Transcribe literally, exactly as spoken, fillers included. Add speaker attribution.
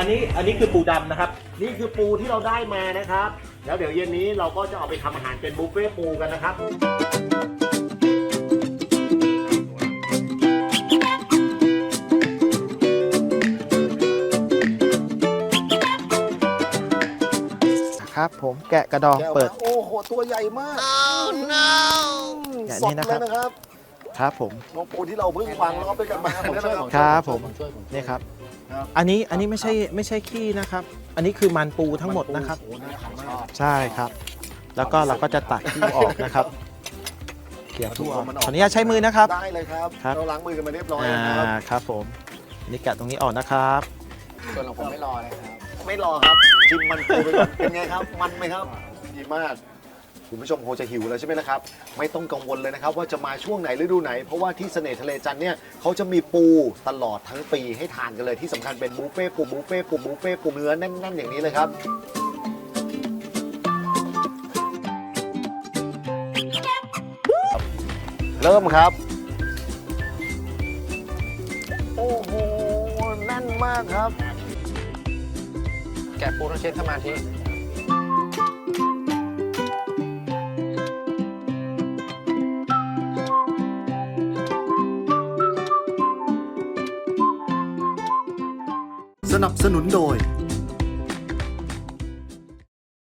Speaker 1: นี้อันนี้คือปูดำนะครับ
Speaker 2: นี่คือปูที่เราได้มานะครับ แล้วเดี๋ยวเย็นนี้เราก็จะเอาไปทำอาหารเป็นบุฟเฟ่ต์ปูกันนะครับ
Speaker 3: ครับผมแกะกระดองเปิด
Speaker 2: โอ้โหตัวใหญ่มาก
Speaker 3: อย่าง
Speaker 2: ส
Speaker 3: นี้
Speaker 2: ด
Speaker 3: นะค
Speaker 2: เล
Speaker 3: รับ
Speaker 2: ยนะครับ
Speaker 3: ครับผม
Speaker 2: น้องปูที่เราเพิ่งวางล้อมด้วยกันมานะครับ
Speaker 3: ครับผมนี่ครับ
Speaker 2: ครับ
Speaker 3: อันนี้อันนี้ไม่ใช่ไม่ใช่ขี้นะครับ อันนี้คือมันปูทั้งหมดนะครับ
Speaker 2: โอ้โหน่าทานมาก
Speaker 3: ใช่ครับ แล้วก็เราก็จะตักขี้ออกนะครับเขี่ยขี้ออกขออนุญาตใช้มือนะครับ
Speaker 2: ได้เลยครับ
Speaker 3: ครับ
Speaker 2: เราล้างมือกันมาเรียบร้อย
Speaker 3: อ่า
Speaker 2: แล้วนะครับ
Speaker 3: ครับผมอันนี่แกะตรงนี้ออกนะครับ
Speaker 4: ส่วนของผมไม่รอเลยครับ
Speaker 2: ไม่รอครับชิมมันปูไปก่อนเป็นไงครับ มันไหมครับดีมากคุณผู้ชมคงจะหิวแล้วใช่ไหมล่ะครับ ไม่ต้องกังวลเลยนะครับ ว่าจะมาช่วงไหนฤดูไหน เพราะว่าที่เสน่ห์ทะเลจันทร์เนี่ยเขาจะมีปูตลอดทั้งปีให้ทานกันเลยที่สำคัญเป็นบุฟเฟ่ต์ปูบุฟเฟ่ต์ปูบุฟเฟ่ต์ปูเนื้อแน่นๆอย่างนี้เลยครับ เริ่มครับ โอ้โหแน่นมากครับ
Speaker 4: แกะปูต้องเช็คสมาธิ
Speaker 2: สนับสนุนโดย